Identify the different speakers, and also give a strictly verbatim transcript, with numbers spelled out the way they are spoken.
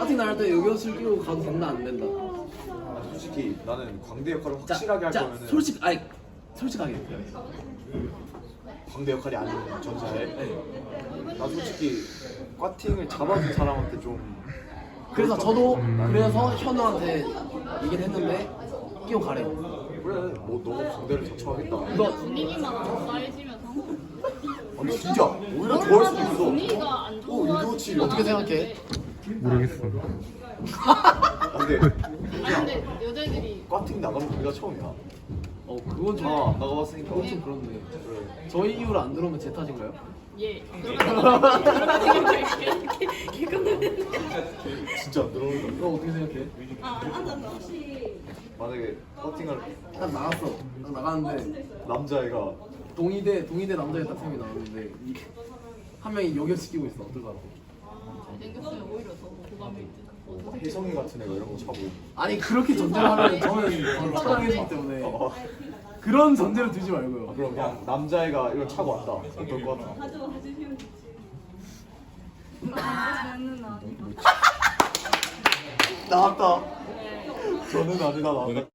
Speaker 1: 파티 나갈 때 요것을 끼고 가도 된다 안 된다.
Speaker 2: 솔직히 나는 광대 역할을
Speaker 1: 자,
Speaker 2: 확실하게 할
Speaker 1: 자,
Speaker 2: 거면은
Speaker 1: 솔직 아니 솔직하게.
Speaker 2: 광대 역할이 아닌 전자에 나 솔직히 꽈팅을 잡아준 사람한테 좀
Speaker 1: 그래서 저도 그래서 현우한테 얘기를 했는데 끼고 가래.
Speaker 2: 그래 뭐 너무 광대를 자처하겠다.
Speaker 1: 이거
Speaker 3: 분위기만 안 쌓여지면서
Speaker 2: 아니 진짜 오히려 좋아할 수도 있어.
Speaker 3: 분위기가 안
Speaker 2: 어
Speaker 3: 좋아.
Speaker 2: 이거 치
Speaker 1: 어떻게 생각해?
Speaker 4: 모르겠어.
Speaker 2: 근데
Speaker 3: 아니 근데 여자애들이
Speaker 2: 꽈팅 나가는 우리가 처음이야.
Speaker 1: 어 그건 좀
Speaker 2: 아 나가봤으니까
Speaker 1: 그건 좀 그렇네.
Speaker 2: 그래.
Speaker 1: 저희 이후로 안 들어오면 제 탓인가요?
Speaker 3: 예 그러다가
Speaker 2: 진짜 안 들어오는
Speaker 1: 너 어떻게 생각해?
Speaker 2: 만약에 꽈팅을
Speaker 1: 딱 나갔어. 딱 나갔는데
Speaker 2: 남자애가
Speaker 1: 동의대 동의대 남자애 딱 세 명이 나왔는데 이- 한 명이 요격시키고 있어. 어떨까?
Speaker 3: 잘생겼으면 오히려 더 고감일 듯.
Speaker 2: 뭐 혜성이 같은 애가 이런 거 차고
Speaker 1: 아니 그렇게 전제를 하면 저는 저를 차단해주기 때문에
Speaker 2: 어.
Speaker 1: 그런 전제를 두지 말고요.
Speaker 2: 그럼 그냥 남자애가 이걸 차고 왔다. 어떨 것 같아? 나왔다. 저는 아니다 나왔다.